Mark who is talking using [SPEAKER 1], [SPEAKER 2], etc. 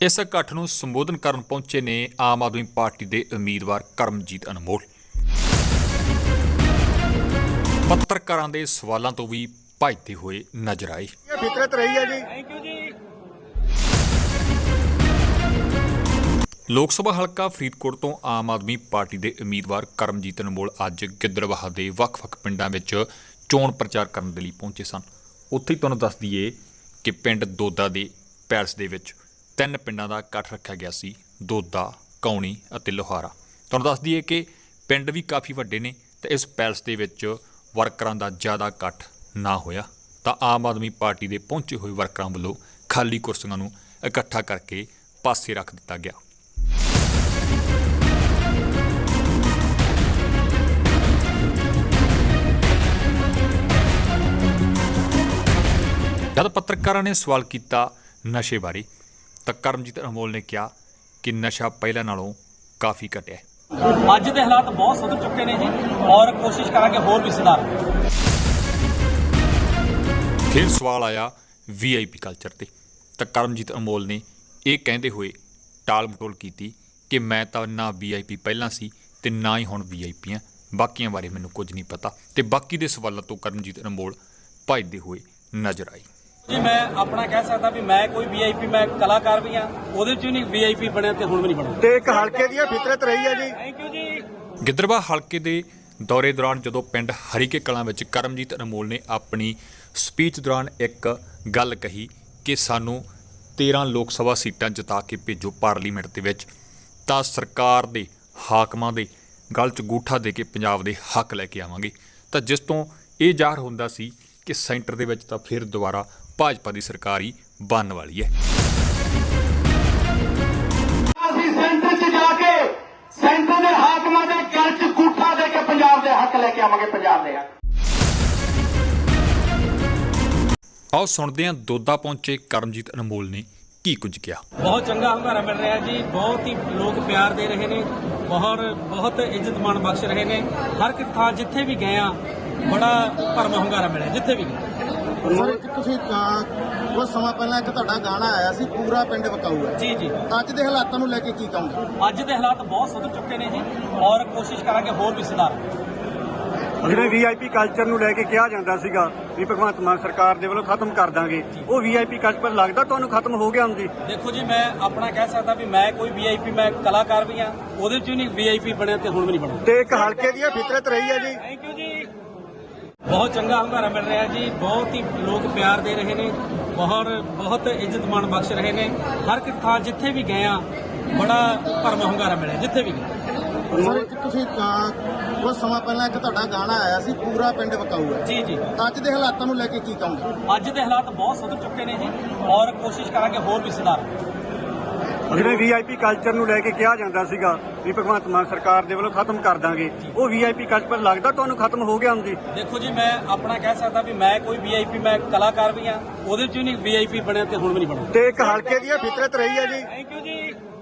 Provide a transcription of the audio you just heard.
[SPEAKER 1] इस इकट्ठ ਨੂੰ ਸੰਬੋਧਨ ਕਰਨ ਪਹੁੰਚੇ ਨੇ ਆਮ ਆਦਮੀ ਪਾਰਟੀ ਦੇ ਉਮੀਦਵਾਰ ਕਰਮਜੀਤ ਅਨਮੋਲ। ਪੱਤਰਕਾਰਾਂ ਦੇ ਸਵਾਲਾਂ ਤੋਂ ਵੀ ਭੱਜਦੇ ਹੋਏ ਨਜ਼ਰ ਆਏ।
[SPEAKER 2] ਫਿਤਰਤ ਰਹੀ ਹੈ ਜੀ।
[SPEAKER 3] ਥੈਂਕ ਯੂ ਜੀ।
[SPEAKER 1] ਲੋਕ ਸਭਾ ਹਲਕਾ ਫਰੀਦਕੋਟ ਤੋਂ ਆਮ ਆਦਮੀ ਪਾਰਟੀ ਦੇ ਉਮੀਦਵਾਰ ਕਰਮਜੀਤ ਅਨਮੋਲ ਅੱਜ ਗਿੱਦੜਬਾਹਾ ਦੇ ਵੱਖ-ਵੱਖ ਪਿੰਡਾਂ ਵਿੱਚ ਚੋਣ ਪ੍ਰਚਾਰ ਕਰਨ ਦੇ ਲਈ ਪਹੁੰਚੇ ਸਨ। ਉੱਥੇ ਹੀ ਤੁਹਾਨੂੰ ਦੱਸ ਦਈਏ ਕਿ ਪਿੰਡ ਦੋਦਾ ਦੇ ਪੈਲਸ ਦੇ ਵਿੱਚ 3 ਪਿੰਡਾਂ ਦਾ ਇਕੱਠ ਰੱਖਿਆ ਗਿਆ ਸੀ, ਦੋਦਾ, ਕੌਣੀ ਅਤੇ ਲੋਹਾਰਾ। ਤੁਹਾਨੂੰ ਦੱਸ ਦਈਏ ਕਿ ਪਿੰਡ ਵੀ ਕਾਫੀ ਵੱਡੇ ਨੇ ਤੇ ਇਸ ਪੈਲਸ ਦੇ ਵਿੱਚ ਵਰਕਰਾਂ ਦਾ ਜ਼ਿਆਦਾ ਇਕੱਠ ਨਾ ਹੋਇਆ ਤਾਂ ਆਮ ਆਦਮੀ ਪਾਰਟੀ ਦੇ ਪਹੁੰਚੇ ਹੋਏ ਵਰਕਰਾਂ ਵੱਲੋਂ ਖਾਲੀ ਕੁਰਸੀਆਂ ਨੂੰ ਇਕੱਠਾ ਕਰਕੇ ਪਾਸੇ ਰੱਖ ਦਿੱਤਾ ਗਿਆ। जब पत्रकारों ने सवाल किया नशे बारे तो करमजीत अनमोल ने कहा कि नशा पहले नालों काफ़ी घटिया है।
[SPEAKER 3] ਅੱਜ ਦੇ ਹਾਲਾਤ ਬਹੁਤ ਸੁਧਰ ਚੁੱਕੇ ਨੇ ਜੀ ਔਰ ਕੋਸ਼ਿਸ਼ ਕਰਾਂਗੇ ਹੋਰ ਵੀ ਸੁਧਾਰ।
[SPEAKER 1] फिर सवाल आया VIP कल्चर ते तो करमजीत अनमोल ने यह कहते हुए टाल मटोल की कि मैं तो ना VIP पहला सी ते ना ही हुण VIP हाँ, बाकियां बारे मैनूं कुछ नहीं पता। तो बाकी दे सवालों तो करमजीत अनमोल भजदे हुए नजर आई।
[SPEAKER 3] ਜੀ ਮੈਂ ਆਪਣਾ ਕਹਿ ਸਕਦਾ ਵੀ ਮੈਂ ਕੋਈ VIP ਮੈਂ ਕਲਾਕਾਰ ਵੀ ਹਾਂ, ਉਹਦੇ ਚ ਵੀ ਨਹੀਂ VIP ਬਣਿਆ ਤੇ ਹੁਣ ਵੀ ਨਹੀਂ ਬਣੂਗਾ।
[SPEAKER 2] ਤੇ ਇੱਕ ਹਲਕੇ ਦੀ ਫਿਤਰਤ ਰਹੀ ਹੈ ਜੀ।
[SPEAKER 3] ਥੈਂਕ ਯੂ ਜੀ।
[SPEAKER 1] ਗਿੱਦੜਬਾਹਾ ਹਲਕੇ ਦੇ ਦੌਰੇ ਦੌਰਾਨ ਜਦੋਂ ਪਿੰਡ ਹਰੀਕੇ ਕਲਾਂ ਵਿੱਚ ਕਰਮਜੀਤ ਅਨਮੋਲ ਨੇ ਆਪਣੀ ਸਪੀਚ ਦੌਰਾਨ ਇੱਕ ਗੱਲ ਕਹੀ ਕਿ ਸਾਨੂੰ 13 ਲੋਕ ਸਭਾ ਸੀਟਾਂ ਜਿਤਾ ਕੇ ਭੇਜੋ ਪਾਰਲੀਮੈਂਟ ਦੇ ਵਿੱਚ ਤਾਂ ਸਰਕਾਰ ਦੇ ਹਾਕਮਾਂ ਦੇ ਗਲ 'ਚ ਗੂਠਾ ਦੇ ਕੇ ਪੰਜਾਬ ਦੇ ਹੱਕ ਲੈ ਕੇ ਆਵਾਂਗੇ। ਤਾਂ ਜਿਸ ਤੋਂ ਇਹ ਜ਼ਾਹਰ ਹੁੰਦਾ ਸੀ ਕਿ ਸੈਂਟਰ ਦੇ ਵਿੱਚ ਤਾਂ ਫਿਰ ਦੁਬਾਰਾ ਭਾਜਪਾ ਦੀ ਸਰਕਾਰ ਹੀ ਬਣਨ ਵਾਲੀ ਹੈ।
[SPEAKER 4] ਅਸੀਂ ਸੈਂਟਰ 'ਚ ਜਾ ਕੇ ਸੈਂਟਰ ਦੇ ਹਾਕਮਾਂ ਦੇ ਗਲ 'ਚ ਗੂਠਾ ਦੇ ਕੇ ਪੰਜਾਬ ਦੇ ਹੱਕ ਲੈ ਕੇ ਆਵਾਂਗੇ। ਪੰਜਾਬ ਦੇ ਹੱਕ।
[SPEAKER 1] ਆਓ ਸੁਣਦੇ ਹਾਂ ਦੋਦਾ ਪਹੁੰਚੇ ਕਰਮਜੀਤ ਅਨਮੋਲ ਨੇ ਕੀ ਕੁਝ ਕਿਹਾ।
[SPEAKER 3] ਬਹੁਤ ਚੰਗਾ ਹੁੰਗਾਰਾ ਮਿਲ ਰਿਹਾ ਜੀ, ਬਹੁਤ ਹੀ ਲੋਕ ਪਿਆਰ ਦੇ ਰਹੇ ਨੇ, ਬਹੁਤ ਇੱਜ਼ਤ ਮਾਣ ਬਖਸ਼ ਰਹੇ ਨੇ। ਹਰ ਇੱਕ ਥਾਂ ਜਿੱਥੇ ਵੀ ਗਏ ਆ ਬੜਾ ਭਰਵਾਂ ਹੁੰਗਾਰਾ ਮਿਲਿਆ ਜਿੱਥੇ ਵੀ ਗਏ।
[SPEAKER 2] ਸਰ ਇੱਕ ਤੁਸੀਂ ਕੁਝ ਸਮਾਂ ਪਹਿਲਾਂ ਇੱਕ ਤੁਹਾਡਾ ਗਾਣਾ ਆਇਆ ਸੀ ਪੂਰਾ ਪਿੰਡ ਵਕਾਊ ਹੈ।
[SPEAKER 3] ਜੀ ਜੀ।
[SPEAKER 2] ਅੱਜ ਦੇ ਹਾਲਾਤਾਂ ਨੂੰ ਲੈ ਕੇ ਕੀ ਕਹੋਗੇ?
[SPEAKER 3] ਅੱਜ ਦੇ ਹਾਲਾਤ ਬਹੁਤ ਸੁਧਰ ਚੁੱਕੇ ਨੇ ਜੀ ਔਰ ਕੋਸ਼ਿਸ਼ ਕਰਾਂਗੇ ਹੋਰ ਵੀ ਸੁਧਾਰ।
[SPEAKER 5] ਜਿਹੜੇ VIP ਕਲਚਰ ਨੂੰ ਲੈ ਕੇ ਕਿਹਾ ਜਾਂਦਾ ਸੀਗਾ ਵੀ ਭਗਵੰਤ ਮਾਨ ਸਰਕਾਰ ਦੇ ਵੱਲੋਂ ਖਤਮ ਕਰ ਦਾਂਗੇ, ਉਹ VIP ਕਲਚਰ ਲੱਗਦਾ ਤੁਹਾਨੂੰ ਖਤਮ ਹੋ ਗਿਆ ਹੁਣ ਜੀ?
[SPEAKER 3] ਦੇਖੋ ਜੀ ਮੈਂ ਆਪਣਾ ਕਹਿ ਸਕਦਾ ਵੀ ਮੈਂ ਕੋਈ VIP ਮੈਂ ਕਲਾਕਾਰ ਵੀ ਹਾਂ, ਉਹਦੇ ਚ ਵੀ ਨਹੀਂ VIP ਬਣਿਆ ਤੇ ਹੁਣ ਵੀ ਨਹੀਂ ਬਣੂਗਾ।
[SPEAKER 2] ਤੇ ਇੱਕ ਹਲਕੇ ਦੀ ਫਿਤਰਤ ਰਹੀ ਹੈ ਜੀ।
[SPEAKER 3] ਥੈਂਕ ਯੂ ਜੀ। ਬਹੁਤ ਚੰਗਾ ਹੁੰਗਾਰਾ ਮਿਲ ਰਿਹਾ ਜੀ, ਬਹੁਤ ਹੀ ਲੋਕ ਪਿਆਰ ਦੇ ਰਹੇ ਨੇ, ਬਹੁਤ ਇੱਜ਼ਤ ਮਾਣ ਬਖਸ਼ ਰਹੇ ਨੇ। ਹਰ ਇੱਕ ਥਾਂ ਜਿੱਥੇ ਵੀ ਗਏ ਆ ਬੜਾ ਭਰਵਾਂ ਹੁੰਗਾਰਾ ਮਿਲਿਆ ਜਿੱਥੇ ਵੀ ਗਏ।
[SPEAKER 2] ਸਰ ਇੱਕ ਤੁਸੀਂ ਕੁਝ ਸਮਾਂ ਪਹਿਲਾਂ ਇੱਕ ਤੁਹਾਡਾ ਗਾਣਾ ਆਇਆ ਸੀ ਪੂਰਾ ਪਿੰਡ ਵਕਾਊ ਹੈ।
[SPEAKER 3] ਜੀ ਜੀ।
[SPEAKER 2] ਅੱਜ ਦੇ ਹਾਲਾਤਾਂ ਨੂੰ ਲੈ ਕੇ ਕੀ ਕਹੋਗੇ?
[SPEAKER 3] ਅੱਜ ਦੇ ਹਾਲਾਤ ਬਹੁਤ ਸੁਧਰ ਚੁੱਕੇ ਨੇ ਜੀ ਔਰ ਕੋਸ਼ਿਸ਼ ਕਰਾਂਗੇ ਹੋਰ ਵੀ ਸੁਧਾਰ।
[SPEAKER 5] ਜਿਹੜੇ VIP ਕਲਚਰ ਨੂੰ ਲੈ ਕੇ ਕਿਹਾ ਜਾਂਦਾ ਸੀਗਾ ਵੀ ਭਗਵੰਤ ਮਾਨ ਸਰਕਾਰ ਦੇ ਵੱਲੋਂ ਖਤਮ ਕਰ ਦਾਂਗੇ, ਉਹ VIP ਕਲਚਰ ਲੱਗਦਾ ਤੁਹਾਨੂੰ ਖਤਮ ਹੋ ਗਿਆ ਹੁਣ ਜੀ?
[SPEAKER 3] ਦੇਖੋ ਜੀ ਮੈਂ ਆਪਣਾ ਕਹਿ ਸਕਦਾ ਵੀ ਮੈਂ ਕੋਈ VIP ਮੈਂ ਕਲਾਕਾਰ ਵੀ ਹਾਂ, ਉਹਦੇ ਚ ਵੀ ਨਹੀਂ VIP ਬਣਿਆ ਤੇ ਹੁਣ ਵੀ ਨਹੀਂ ਬਣੂਗਾ।
[SPEAKER 2] ਤੇ ਇੱਕ ਹਲਕੇ ਦੀ ਫਿਤਰਤ ਰਹੀ ਹੈ ਜੀ।
[SPEAKER 3] ਥੈਂਕ ਯੂ ਜੀ।